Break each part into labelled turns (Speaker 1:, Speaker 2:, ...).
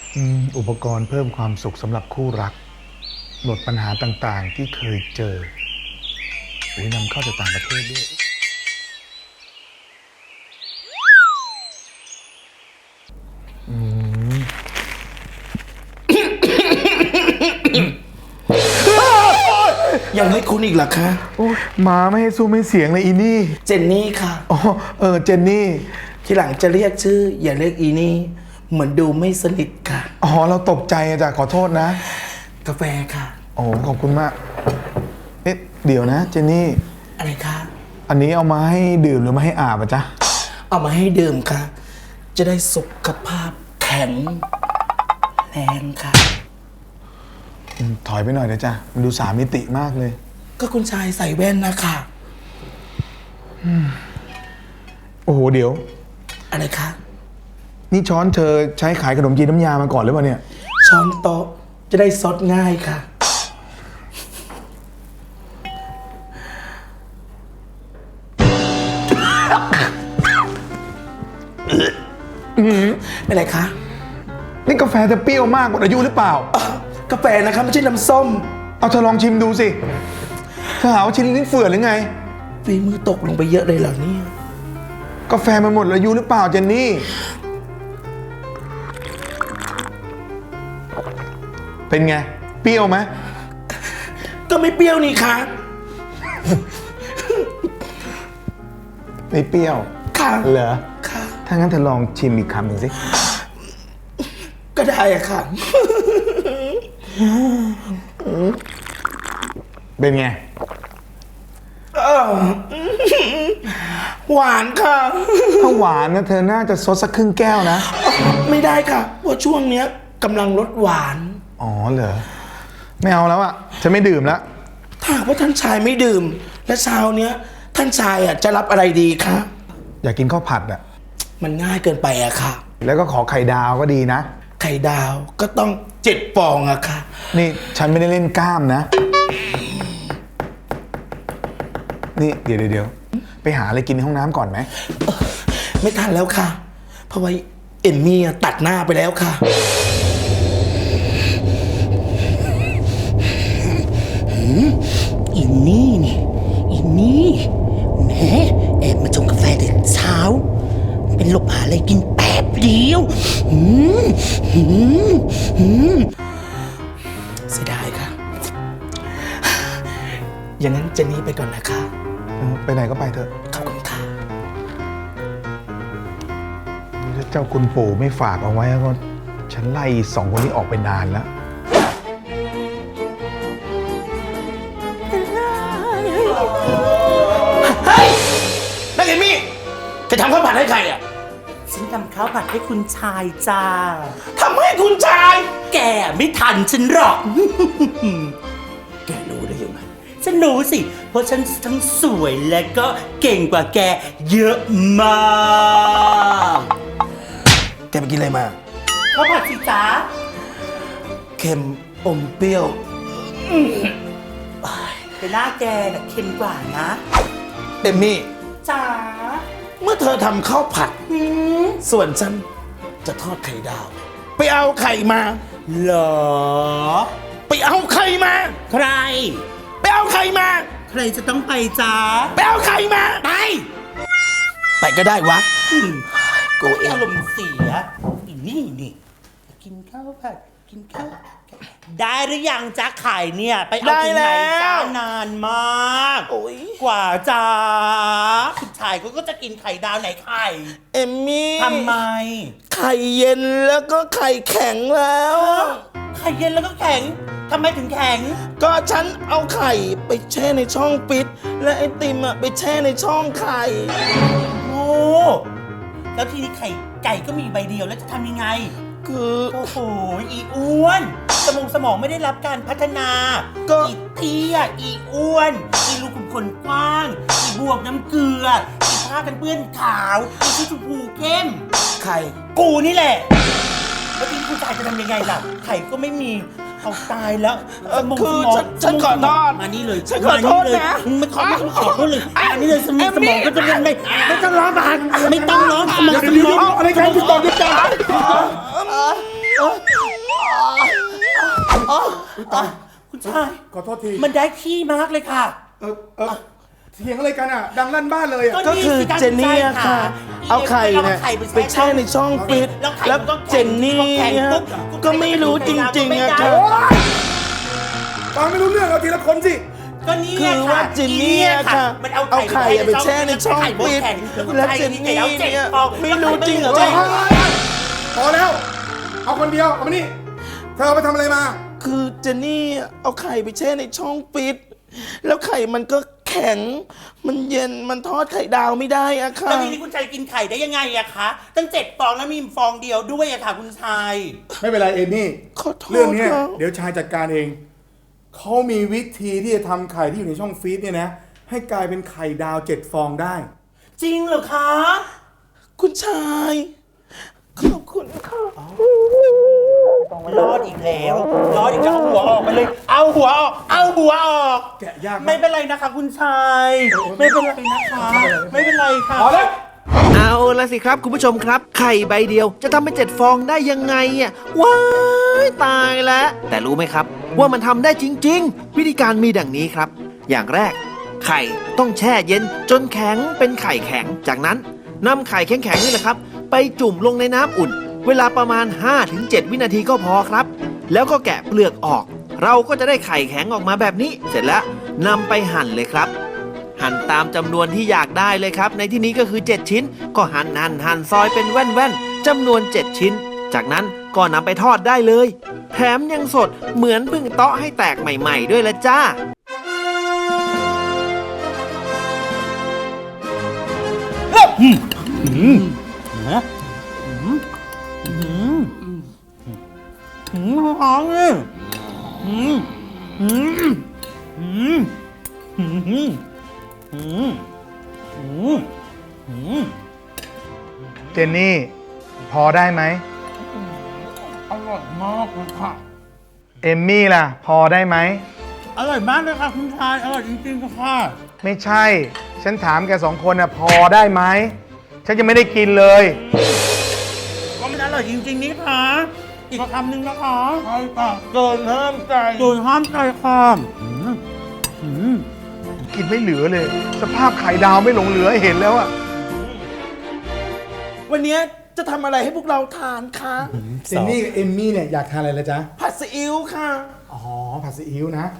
Speaker 1: อุปกรณ์เพิ่มความสุขสำหรับคู่รักลดปัญหาต่างๆที่เคยเจอนำเข้าจากต่างประเทศด้วย
Speaker 2: ยังไม่คุ้นอีกเหรอคะ
Speaker 1: มาไม่ให้สู้ไม่เสียงเลยอีนี่
Speaker 2: เจนนี่ค่ะ
Speaker 1: อ๋อเจนนี่
Speaker 2: ทีหลังจะเรียกชื่ออย่าเรียกอีนี่เหมือนดูไม่สนิทค่ะ
Speaker 1: อ๋อเราตกใจจ้ะขอโทษนะ
Speaker 2: กาแฟค่ะ
Speaker 1: โอ้ขอบคุณมากเดี๋ยวนะเจนนี่
Speaker 2: อะไรคะ
Speaker 1: อันนี้เอามาให้ดื่มหรือมาให้อาบอ่ะจ๊ะ
Speaker 2: เอามาให้ดื่มค่ะจะได้สุขภาพแข็งแรงค่ะ
Speaker 1: ถอยไปหน่อยนะจ๊ะมันดู3 มิติมากเลย
Speaker 2: ก็คุณชายใส่แว่นนะคะ
Speaker 1: โอ้โหเดี๋ยว
Speaker 2: อะไรคะ
Speaker 1: นี่ช้อนเธอใช้ขายขนมจีนน้ำยามาก่อนหรือเปล่าเนี่ย
Speaker 2: ช้อนโต๊ะจะได้ซดง่ายค่ะเป็นไรคะ
Speaker 1: นี่กาแฟจะเปรี้ยวมากกว่าอายุหรือเปล่
Speaker 2: ากาแฟนะครับไม่ใช่น้ำส้ม
Speaker 1: เอาเธอลองชิมดูสิเธอหาว่าชิ้นลิ้นเฟื่อนหรือไง
Speaker 2: ฝีมือตกลงไปเยอะเลยเหรอเนี่ย
Speaker 1: กาแฟมันหมดอายุหรือเปล่าเจนนี่เป็นไงเปรี้ยวไหม
Speaker 2: ก็ไม่เปรี้ยวนี่คะ
Speaker 1: ไม่เปรี้ยว
Speaker 2: ค่ะ
Speaker 1: เหรอ
Speaker 2: ค่ะ
Speaker 1: ถ้างั้นเธอลองชิมอีกคำหนึ่งสิ
Speaker 2: ก็ได้อะค่ะ
Speaker 1: เป็นไง
Speaker 2: หวานค่ะ
Speaker 1: ถ้าหวานนะเธอน่าจะซดสักครึ่งแก้วนะ
Speaker 2: ไม่ได้ค่ะเพราะช่วงเนี้ยกำลังลดหวาน
Speaker 1: อ๋อเหรอไม่เอาแล้วอะฉันไม่ดื่มแล้ว
Speaker 2: ถ้าว่าท่านชายไม่ดื่มและเช้าเนี้ยท่านชายอะจะรับอะไรดีคะ
Speaker 1: อยากกินข้าวผัดอะ
Speaker 2: มันง่ายเกินไปอะค่ะ
Speaker 1: แล้วก็ขอไข่ดาวก็ดีนะ
Speaker 2: ไข่ดาวก็ต้อง7 ฟองอะค่ะ
Speaker 1: นี่ฉันไม่ได้เล่นกล้ามนะนี่เดี๋ยวไปหาอะไรกินในห้องน้ำก่อนไหม
Speaker 2: ไม่ทันแล้วค่ะเพราะว่าเอมมี่ตัดหน้าไปแล้วค่ะ
Speaker 3: อินนี่นี่อินนี่แหมแอบมาชงกาแฟแต่เช้าเป็นหลบหาอะไรกินแป๊บเดียว
Speaker 2: เสียดายค่ะอย่างนั้นเจนนี่ไปก่อนนะคะ
Speaker 1: ไปไหนก็ไปเถอะ
Speaker 2: ขอบคุณค่ะ
Speaker 1: ถ้าเจ้าคุณปู่ไม่ฝากเอาไว้ก็ฉันไล่2 คนนี้ออกไปนานแล้ว
Speaker 2: เฮ้ยนักเอมี่จะทำข้าวผัดให้ใครอ่ะ
Speaker 3: ฉันทำข้าวผัดให้คุณชายจ้า
Speaker 2: ทำให้คุณชาย
Speaker 3: แกไม่ทันฉันหรอก
Speaker 2: แกรู้ได้ยังไง
Speaker 3: ฉันรู้สิเพราะฉันทั้งสวยและก็เก่งกว่าแกเยอะมาก
Speaker 2: แกไปกินอะไรมา
Speaker 3: ข้าวผัดสิจ้า
Speaker 2: เค็มอมเปรี้ยว
Speaker 3: แต่หน้าแกน่ะเค็มกว่านะ
Speaker 2: เอมมี่
Speaker 3: จ๋า
Speaker 2: เมื่อเธอทำข้าวผัดส่วนฉันจะทอดไข่ดาวไปเอาไข่มา
Speaker 3: เหรอ
Speaker 2: ไปเอาไข่มา
Speaker 3: ใคร
Speaker 2: ไปเอาไข่มา
Speaker 3: ใครจะต้องไปจ้า
Speaker 2: ไปเอาไข่มาไปก็ได้วะ
Speaker 3: กูอารมณ์เสียอีนี่กินข้าวผัดกินข้าวได้หรือยังจ้าไข่เนี่ยไปเอาที่ไหนจ้านานมากกว่าจ้าคุณชายก็จะกินไข่ดาวไหนไข่
Speaker 2: เอมมี่
Speaker 3: ทำไม
Speaker 2: ไข่เย็นแล้วก็ไข่แข็งแล้ว
Speaker 3: ไข่เย็นแล้วก็แข็งทำไมถึงแข็ง
Speaker 2: ก็ฉันเอาไข่ไปแช่ในช่องปิดและไอติมไปแช่ในช่องไข่
Speaker 3: โอ้แล้วทีนี้ไข่ไก่ก็มีใบเดียวแล้วจะทำยังไง
Speaker 2: คือ
Speaker 3: โอ้โหอีอ้วนสมองไม่ได้รับการพัฒนา
Speaker 2: ก็
Speaker 3: อีเตี้ยอีอ้วนอีรูขุมขนกว้างอีบวกน้ำเกลืออีผ้ากันเปื้อนขาวอีชุดชมพูเข้ม
Speaker 2: ไข่
Speaker 3: กูนี่แหละแล้วทีนี้คุณชายจะทำยังไงล่ะไข่ก็ไม่มีเอาตายแล้ว
Speaker 2: คือฉันขอโทษ
Speaker 3: มานี่เลย
Speaker 2: ฉันขอโทษนะ
Speaker 3: ไม่ขอโทษเลยอันนี้เลยสมองก็จะไม่ต้องร้องไม่ต้องร้องสมอง
Speaker 2: อะไรกันติดต่อ
Speaker 3: อ่ะคุณชาย
Speaker 4: ขอโทษที
Speaker 3: มันได้ที่มากเลยค่ะ
Speaker 4: เถียงอะไรกันอ่ะ ดังลั่นบ้านเลยอ่ะ
Speaker 2: ก็คือเจนนี่อะค่ะ เอาไข่เนี่ยไปแช่ในช่องฟิตแล้วเจนนี่เนี่ยก็ไม่รู้จริงๆอะค่ะ
Speaker 4: ฟังไม่รู้เรื่องเอาทีละคนสิ
Speaker 3: ก็นี่
Speaker 2: คือว่าเจนนี่อะค่ะ
Speaker 3: มัน
Speaker 2: เอาไข่ไปแช่ในช่องฟิตแล้วเจนนี่เนี่ยไม่รู้จริงเหรอ
Speaker 4: พอแล้ว เอาคนเดียว เอามานี่ เธอเอาไปทำอะไรมา
Speaker 2: คือเจนนี่เอาไข่ไปแช่ในช่องฟิตแล้วไข่มันก็แข็ง มันเย็น มันทอดไข่ดาวไม่ได้อะค่ะ
Speaker 3: แล้วทีนี้คุณชายกินไข่ได้ยังไงอะคะตั้ง7 ฟองแล้วมีฟองเดียวด้วยอะค่ะคุณชาย
Speaker 4: ไม่เป็นไรเอมี่
Speaker 2: ขอโทษ
Speaker 4: เรื่องเนี้ย
Speaker 2: ครับ
Speaker 4: เดี๋ยวชายจัดการเอง เขามีวิธีที่จะทำไข่ที่อยู่ในช่องฟรีซเนี่ยนะ ให้กลายเป็นไข่ดาว7 ฟองได้
Speaker 3: จริงเหรอคะ
Speaker 2: คุณชาย ขอบคุณค่ะ
Speaker 3: รอดอีกแล้วรอดอีกแล้วเอาหัวออกไปเลย เอาหัวออกเอาหัวออก
Speaker 4: แกะยากมาก
Speaker 3: ไม่เป็นไรนะคะคุณชายไม่เป็นไรนะคะไม่เป็นไรค่ะ
Speaker 4: พอแล้ว
Speaker 5: เอาละสิครับคุณผู้ชมครับ ไข่ใบเดียวจะทำเป็น7 ฟองได้ยังไงอ่ะว้ายตายแล้ว แต่รู้ไหมครับ ว่ามันทำได้จริง ๆ วิธีการมีดังนี้ครับ อย่างแรก ไข่ต้องแช่เย็นจนแข็งเป็นไข่แข็ง จากนั้นนำไข่แข็งๆนี่แหละครับ ไปจุ่มลงในน้ำอุ่น เวลาประมาณ 5-7 วินาทีก็พอครับ แล้วก็แกะเปลือกออก เราก็จะได้ไข่แข็งออกมาแบบนี้ เสร็จแล้วนำไปหั่นเลยครับ หั่นตามจำนวนที่อยากได้เลยครับ ในที่นี้ก็คือ 7 ชิ้น ก็หั่นซอยเป็นแว่นๆจำนวน 7 ชิ้น จากนั้นก็นำไปทอดได้เลย แถมยังสดเหมือนเพิ่งเตาะให้แตกใหม่ๆด้วยละจ้า
Speaker 3: หอมเลย
Speaker 1: เจนนี่ พอได้ไหม
Speaker 3: อร่อยมากเลยค่ะ
Speaker 1: เอมมี่ล่ะ พอได้ไหม
Speaker 3: อร่อยมากเลยค่ะคุณชายอร่อยจริงๆค่ะ
Speaker 1: ไม่ใช่ ฉันถามแกสองคนน่ะพอได้ไหม ฉันยังไม่ได้กินเลย
Speaker 3: ก็มันอร่อยจริงๆนี่ค่ะอีกคำหนึ่งนะคะใช่ค่ะเกินห้ามใจเกินห้ามใจค่ะ
Speaker 1: กินไม่เหลือเลย สภาพไข่ดาวไม่หลงเหลือให้เห็นแล้วอะ
Speaker 2: วันนี้จะทำอะไรให้พวกเราทานคะ
Speaker 4: เจนนี่กับเอมมี่เนี่ยอยากทานอะไรละจ๊ะ
Speaker 2: ผัดซีอิ๊วค่ะ
Speaker 4: อ๋อ ผัดซีอิ๊วนะ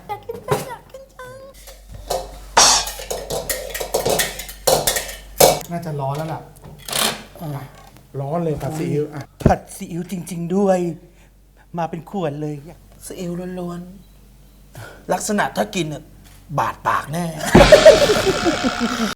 Speaker 4: น่าจะร้อนแล้วล่ะอ่ะร้อนเลยผัดซีอิ๊วอ่ะ
Speaker 3: ผัดซีอิ๊วจริง ๆด้วย มาเป็นขวดเลย
Speaker 2: ซีอิ๊วล้วนๆ ลักษณะถ้ากินบาดปากแน่